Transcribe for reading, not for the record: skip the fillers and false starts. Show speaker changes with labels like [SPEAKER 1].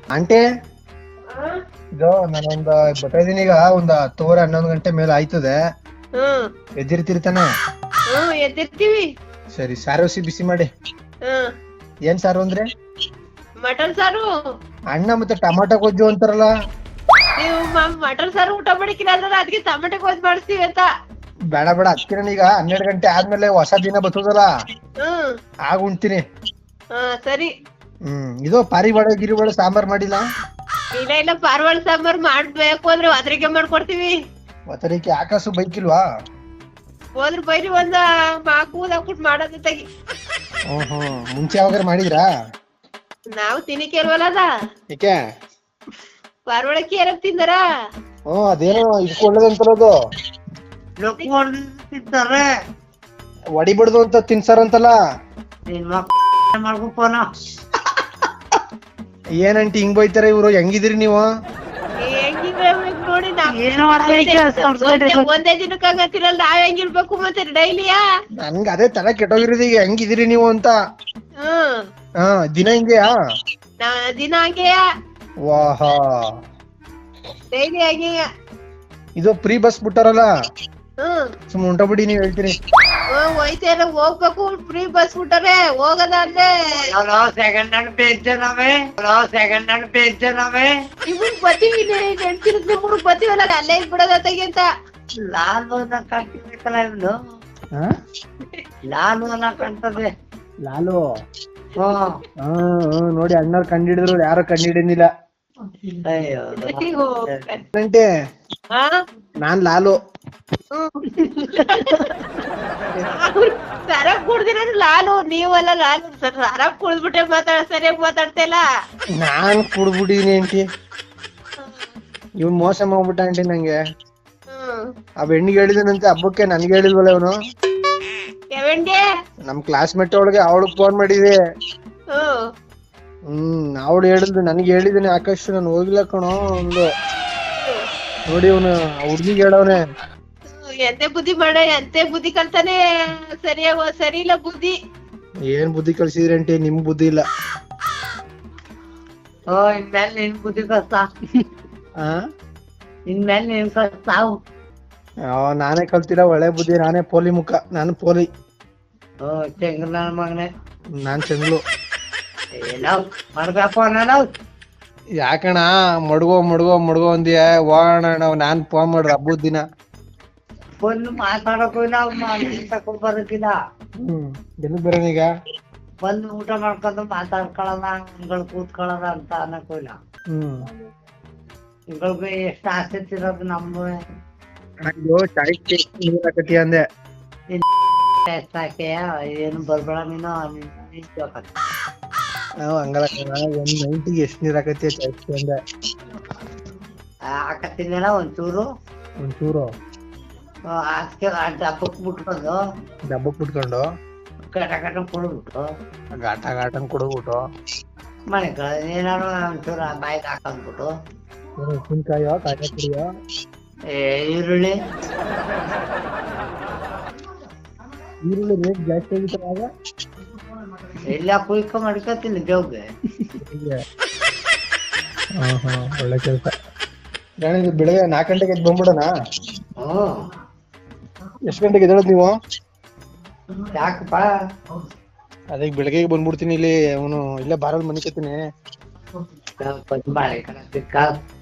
[SPEAKER 1] Aunty ಇದು ನಾನೊಂದ್ ಬರ್ತಾ ಇದೀನಿ ಈಗ ಒಂದ್ 10:11 ಗಂಟೆ ಮೇಲೆ ಆಯ್ತದೆ. ಎದ್ದಿರ್ತಿರ್ತಾನೆ.
[SPEAKER 2] ಎದ್ದಿರ್ತೀವಿ.
[SPEAKER 1] ಸರಿ ಸಾರು ಬಿಸಿ ಮಾಡಿ. ಏನ್ ಸಾರು ಅಂದ್ರೆ?
[SPEAKER 2] ಮಟನ್ ಸಾರು.
[SPEAKER 1] ಅಣ್ಣ ಮತ್ತೆ ಟಮಾಟೊ ಗೊಜ್ಜು ಅಂತಾರಲ್ಲ.
[SPEAKER 2] ನೀವು ಮಟನ್ ಸಾರು ಊಟ ಮಾಡಿಕಿಲ್ಲ ಅಂದ್ರೆ ಅದಕ್ಕೆ ಟಮಾಟೊ ಗೊಜ್ಜು ಮಾಡಿಸ್ತೀವಿ ಅಂತ.
[SPEAKER 1] ಬೇಡ ಬೇಡ ಅದ್ಕಿನ ಈಗ 12 ಗಂಟೆ ಆದ್ಮೇಲೆ ಹೊಸ ದಿನ ಬರ್ತದಲ್ಲ ಆಗ ಉಣ್ತೀನಿ.
[SPEAKER 2] ಸರಿ.
[SPEAKER 1] ಇದು ಪಾರಿವಾಳ ಗಿರಿವಾಳ ಸಾಂಬಾರ್ ಮಾಡಿಲ್ಲ?
[SPEAKER 2] ಇಲ್ಲ ಪಾರಿವಾಳ ಸಾಂಬಾರ್ ಮಾಡ್ಬೇಕು ಅಂದ್ರೆ ಒದರಿಕೆ ಮಾಡ್ಕೊಡ್ತೀವಿ.
[SPEAKER 1] ಒತ್ತರಿಕೆ ಆಕಾಶು ಬೈಕಿಲ್ವಾ?
[SPEAKER 2] ಹೋದ್ರು ಬೈರಿ ಒಂದ ಕೂದ್ ಹಾಕ್ಬಿಟ್ಟು ಮಾಡೋದು ತೆಗಿ.
[SPEAKER 1] ಮುಂಚೆ ಯಾವಾಗ ಮಾಡಿದ್ರಾ?
[SPEAKER 2] ನಾವು ತಿನ್ನಿಕೆ ಇಲ್ವಲ್ಲ ಅದ.
[SPEAKER 1] ಏಕೆ?
[SPEAKER 2] ಪಾರಿವಾಳಕ್ಕೆ ಏನಕ್ ತಿಂದಾರ?
[SPEAKER 1] ಅದೇನೋ ಇಟ್ಕೊಳ್ಳೋದಂತಲ್ಲ
[SPEAKER 3] ತಿಂತಾರೆ
[SPEAKER 1] ಹೊಡಿಬಿಡ್ದು ಅಂತ ತಿನ್ಸಾರಂತಲ್ಲ.
[SPEAKER 3] ಮಾಡ್ಕೋನ
[SPEAKER 1] ಏನಂಟಿ ಹಿಂಗ್ ಬೈತಾರೆ ಇವ್ರು? ಹೆಂಗಿದಿರಿ ನೀವು?
[SPEAKER 2] ನೋಡಿ ಒಂದೇ ದಿನಕ್ಕೆ ಹಂಗತ್ತಿರಲ್ಲ ನಾವ್ ಹೆಂಗಿರ್ಬೇಕು ಮತ್ತೆ ಡೈಲಿಯಾ?
[SPEAKER 1] ನನ್ಗ ಅದೇ ತರ ಕೆಟ್ಟೋಗಿರೋದು ಈಗ. ಹೆಂಗಿದಿರಿ ನೀವು ಅಂತ. ದಿನ ಹಿಂಗೆಯಾ?
[SPEAKER 2] ದಿನ ಹಂಗೆಯಾ?
[SPEAKER 1] ವಾಹಾ
[SPEAKER 2] ಡೈಲಿ ಹಂಗೆಯ.
[SPEAKER 1] ಇದು ಫ್ರೀ ಬಸ್ ಬಿಟ್ಟಾರಲ್ಲ ಸುಮ್ ಉಂಟ ಬಿಡಿ ನೀವ್ ಹೇಳ್ತೀರಿ.
[SPEAKER 2] ಹೋಯ್ತೇನ ಹೋಗ್ಬೇಕು ಫ್ರೀ ಬಸ್ ಬಿಟ್ಟಾರೆ ಹೋಗದಾದ್ರೆ
[SPEAKER 3] ಸೆಕೆಂಡ್ ಹ್ಯಾಂಡ್ ಪೇಂಚನವೇ
[SPEAKER 2] ಇವ್ರು ಬತ್ತೀವಿ ನೆನ್ಸಿರುತ್ತೆ ಮೂರು ಬತ್ತೀವಲ್ಲ ಅಲ್ಲೇ ಬಿಡೋದ ತೆಗಿಂತ.
[SPEAKER 3] ಲಾಲು ಕಾಣ್ತಿರ್ಬೇಕಲ್ಲ ಇವ್ನು. ಲಾಲು ಕಾಣ್ತದೆ.
[SPEAKER 1] ಲಾಲು ನೋಡಿ ಅಣ್ಣವ್ರು ಕಂಡಿಡಿದ್ರು ಯಾರು ಕಂಡಿಡಿನಿಲ್ಲ. ನಾನ್ ಲಾಲು.
[SPEAKER 2] ಸರಕ್ ಕುಡ್ದಿರ ಲಾಲು ನೀವಲ್ಲ ಲಾಲು. ಸರಕ್ ಕುಡ್ದ್ಬಿಟ್ಟೆ ಸರಿಯಾಗಿ ಮಾತಾಡ್ತಾ ಇಲ್ಲ.
[SPEAKER 1] ನಾನ್ ಕುಡ್ಬಿಟ್ಟಿದೀನಿ ಆಂಟಿ. ಇವ್ನ್ ಮೋಸ ಮಾಡ್ಬಿಟ್ಟ ಆಂಟಿ ನಂಗೆ. ಆ ಬೆಣ್ಣಿಗೆ ಹೇಳಿದನಂತೆ ಹಬ್ಬಕ್ಕೆ ನನ್ಗೆ ಹೇಳಿಲ್ವಲ್ಲ ಇವನು. ನಮ್ ಕ್ಲಾಸ್ಮೇಟ್ ಒಳಗೆ ಅವಳಿಗೆ ಫೋನ್ ಮಾಡಿದೆ. ಅವಳು ಹೇಳಿದ್ಲು ನನ್ಗೆ ಹೇಳಿದನೆ ಆಕಾಶ್ ನಾನು ಹೋಗಿಲ್ಲ ಕಣೋ ಒಂದು. ನೋಡಿ ಅವನು ಹುಡ್ಗಿಗೆ ಹೇಳವನೆ.
[SPEAKER 2] ಎಂತೆ ಬುದ್ಧಿ ಮಾಡ ಎಂತೆ ಬುದ್ಧಿ ಕಲ್ತಾನೆ. ಸರಿ ಇಲ್ಲ ಬುದ್ಧಿ.
[SPEAKER 1] ಏನ್ ಬುದ್ಧಿ ಕಲ್ಸಿದ್ರಿ ಆಂಟಿ? ನಿಮ್ ಬುದ್ಧಿ ಇಲ್ಲ.
[SPEAKER 3] ಇನ್ಮೇಲೆ ನಿನ್ ಬುದ್ಧಿ ಕಷ್ಟ. ಇನ್ಮೇಲೆ ನಿನ್ ಕಷ್ಟ.
[SPEAKER 1] ನಾನೇ ಕಲ್ತಿಲ್ಲ ಒಳ್ಳೆ ಬುದ್ಧಿ. ನಾನೇ ಪೋಲಿ ಮುಖ. ನಾನು ಪೋಲಿ.
[SPEAKER 3] ಚೆಂಗ್ರ ನನ್ನ ಮಗನೇ.
[SPEAKER 1] ನಾನ್ ಚೆಂಗ್ಳು.
[SPEAKER 3] ಯಾಕಣ
[SPEAKER 1] ಮಡ್ಗೋ ಅಂದಿಯ ಹೋಗೋಣ ನಾನ್ ಫೋನ್ ಮಾಡ್ರ ಹಬ್ಬದ ದಿನ.
[SPEAKER 3] ಬಂದು ಮಾತಾಡಕ್ಕೂ ಬರೋಕಿಲ್ಲ.
[SPEAKER 1] ಎಲ್ಲಿ ಬರೋನೀಗ?
[SPEAKER 3] ಬಂದು ಊಟ ಮಾಡ್ಕೊಂಡು ಮಾತಾಡ್ಕೊಳಲ್ಲ ಹಿಂಗಳು ಕೂತ್ಕೊಳ್ಳೋದ ಅಂತ ಅನ್ನಕ್ಕೂ ಇಲ್ಲ. ಹಿಂಗಳಿಗೆ ಎಷ್ಟು ಆಸಕ್ತಿ ಇರೋದು ನಮ್ದು.
[SPEAKER 1] ಅಂದೆ
[SPEAKER 3] ಎಷ್ಟಾಕೆ ಏನು ಬರ್ಬೇಡ ನೀನು.
[SPEAKER 1] ಹಂಗಲ್ಲ ಒಂದ್ ನೈಟಿಗೆ ಎಷ್ಟ್ ನೀರ್ ಹಾಕತಿ ಅಂದೆ.
[SPEAKER 3] ಹಾಕತ್ತಿಲ್ಲ ಒಂಚೂರು ಅದಕ್ಕೆ
[SPEAKER 1] ಡಬ್ಬಕ್ ಬಿಟ್ಕೊಂಡು
[SPEAKER 3] ಘಟ ಕುಡ್ಬಿಟ್ಟು
[SPEAKER 1] ಘಾಟನ್ ಕುಡ್ಬಿಟ್ಟು
[SPEAKER 3] ಮನೆ ಏನಾರು ಒಂಚೂರು ಬಾಯಿಗೆ ಹಾಕೊಂಡ್ಬಿಟ್ಟು
[SPEAKER 1] ಉಪ್ಪಿನಕಾಯೋ ಕಾಯಿ ಪುಡಿಯೋ
[SPEAKER 3] ಈರುಳ್ಳಿ
[SPEAKER 1] ರೇಟ್ ಜಾಸ್ತಿ ಆಗಿತ್ತು ಆಗ.
[SPEAKER 3] ಎಲ್ಲ ಕುಯ್ಕ ಮಾಡ್ಕೊತೀನಿ ದೇವ್ಗೆ.
[SPEAKER 1] ಒಳ್ಳೆ ಕೆಲ್ಸ. ಬೆಳಗ್ಗೆ 4 ಗಂಟೆಗೆ ಎದ್ದು ಬಂದ್ಬಿಡೋಣ. ಎಷ್ಟ್ ಗಂಟೆಗೆ ಎದ್ದೇಳೋದು ನೀವು?
[SPEAKER 3] ಯಾಕಪ್ಪ?
[SPEAKER 1] ಅದೇ ಬೆಳಗ್ಗೆ ಬಂದ್ಬಿಡ್ತೀನಿ. ಇಲ್ಲಿ ಅವನು ಇಲ್ಲೇ ಬಾರಲ್ಲಿ ಮನಿಕತ್ತೀನಿ.